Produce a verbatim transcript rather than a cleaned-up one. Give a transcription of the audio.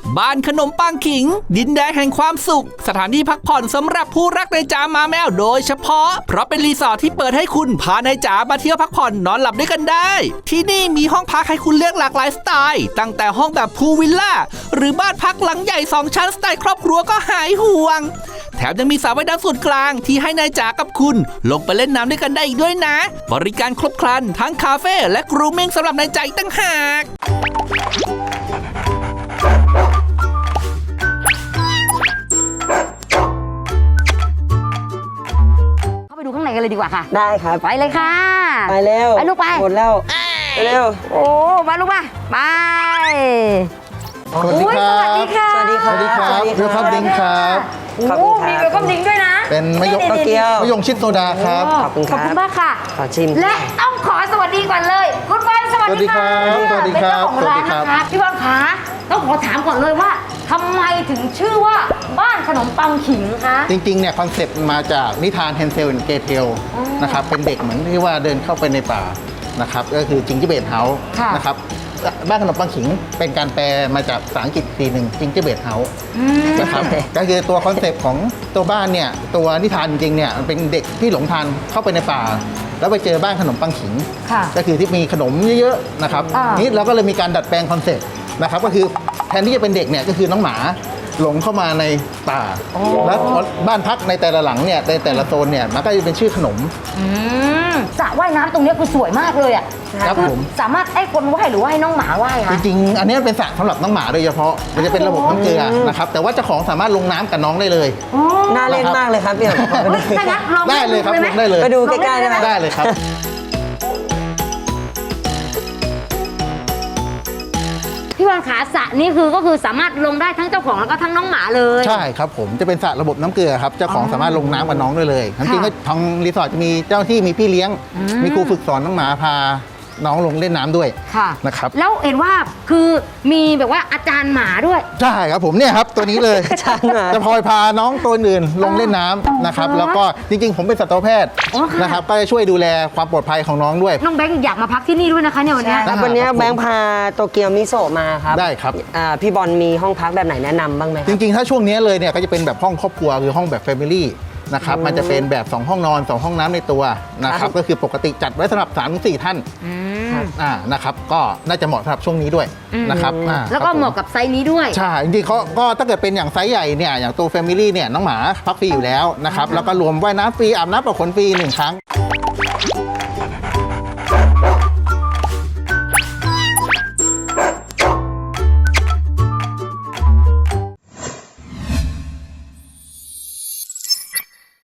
บ้านขนมปังขิงดินแดนแห่งความสุขสถานที่พักผ่อนสำหรับผู้รักในจ๋ามาแมวโดยเฉพาะเพราะเป็นรีสอร์ทที่เปิดให้คุณพาในจ๋ามาเที่ยวพักผ่อนนอนหลับด้วยกันได้ที่นี่มีห้องพักให้คุณเลือกหลากหลายสไตล์ตั้งแต่ห้องแบบพูลวิลล่าหรือบ้านพักหลังใหญ่สองชั้นสไตล์ครอบครัวก็หายห่วงแถมยังมีสระว่ายน้ำส่วนกลางที่ให้นายจ๋ากับคุณลงไปเล่นน้ำด้วยกันได้อีกด้วยนะบริการครบครันทั้งคาเฟ่และกรูมมิ่งสำหรับนายจ๋าอีกตั้งหากไปดูข้างในกันเลยดีกว่าค่ะได้ครับไปเลยค่ะไปเร็วไปลูกไปหมดแล้วไปเร็วโอ้มาลูกมาไปสวัสดีครับสวัสดีค่ะสวัสดีครับสวัสดีครับเวลคัมดิ้งครับขอบโอ้คุณครับมีเวลคัมดิ้งด้วยนะเป็นมะยงโตเกียวมะยงชิดโซดาครับขอบคุณขคอบรัคุบณมากค่ะขอชิมและต้องขอสวัสดีก่อนเลยคุณบอลสวัสดีค่ะสวัสดีครับเป็นเจ้าของร้านสวัสดีครับนะคะพี่บอลคะต้องขอถามก่อนเลยว่าทำไมถึงชื่อว่าบ้านขนมปังขิงคะจริงๆเนี่ยคอนเซ็ปต์มาจากนิทานเฮนเซลและเกเทลนะครับเป็นเด็กเหมือนที่ว่าเดินเข้าไปในป่านะครับก็คือจิงเจอร์เบดเฮาส์นะครับบ้านขนมปังขิงเป็นการแปลมาจากภาษาอังกฤษทีหนึ่งจิงเจอร์เบดเฮาส์นะครับก็คือตัวคอนเซ็ปต์ของตัวบ้านเนี่ยตัวนิทานจริงๆเนี่ยมันเป็นเด็กที่หลงทางเข้าไปในป่าแล้วไปเจอบ้านขนมปังขิงก็คือที่มีขนมเยอะๆนะครับนี่เราก็เลยมีการดัดแปลงคอนเซ็ปต์นะครับก็คือแทนที่จะเป็นเด็กเนี่ยก็คือน้องหมาหลงเข้ามาในป่าแล้วบ้านพักในแต่ละหลังเนี่ยในแต่ละโซนเนี่ยมันก็จะเป็นชื่อขนมสระว่ายน้ำตรงนี้คือสวยมากเลยอ่ะครับผมสามารถให้คนว่ายหรือว่าให้น้องหมาว่ายจคะริงๆอันนี้เป็นสระสำหรับน้องหมาโดยเฉพาะมันจะเป็นระบบน้ำเกลือนะครับแต่ว่าเจ้าของสามารถลงน้ำกับน้องได้เลยน่าเล่นมากเลยครับพี่อ๋เฮ้ยถ้างั้นลองได้เลยครับไหมลงได้เลยไปดูใกล้ๆได้ไหมได้เลยครับพี่บอลขาสระนี่คือก็คือสามารถลงได้ทั้งเจ้าของแล้วก็ทั้งน้องหมาเลยใช่ครับผมจะเป็นสระระบบน้ำเกลือครับเจ้าของสามารถลงน้ำกับน้องได้เลยจริงๆก็ทางรีสอร์ทจะมีเจ้าที่มีพี่เลี้ยง มีครูฝึกสอนน้องหมาพาน้องลงเล่นน้ำด้วยค่ะนะครับแล้วเห็นว่าคือมีแบบว่าอาจารย์หมาด้วยใช่ครับผมเนี่ยครับตัวนี้เลยอาจารย์หมาจะพลอยพาน้องตัวอื่นลงเล่นน้ำนะครับอ๋อแล้วก็จริงๆ ผมเป็นสัตวแพทย์อ๋อค่ะนะครับก็จะช่วยดูแลความปลอดภัยของน้องด้วยน้องแบงค์อยากมาพักที่นี่ด้วยนะคะเนี่ยวันเนี้ยครับวันนี้แบงค์พาโตเกียวมิโซะมาครับได้ครับอ่าพี่บอลมีห้องพักแบบไหนแนะนำบ้างไหมคจรับริงๆ ถ้าช่วงนี้เลยเนี่ยก็จะเป็นแบบห้องครอบครัวคือห้องแบบ Family นะครับมันจะเป็นแบบ สอง ห้องนอน สอง ห้องน้ำในตัวนะครับก็คือปกติจัดไว้สำหรับ สามถึงสี่ ท่านอ่านะครับก็น่าจะเหมาะสำหรับช่วงนี้ด้วยนะครับอ่าแล้วก็ครับผเหมาะกับไซส์นี้ด้วยใช่จริงๆเขาก็ถ้าเกิดเป็นอย่างไซส์ใหญ่เนี่ยอย่างตัว Family เนี่ยน้องหมาพักฟรีอยู่แล้วนะครับแล้วก็รวมว่ายน้ำฟรีอาบน้ำปะขนฟรีหนึ่งครั้ง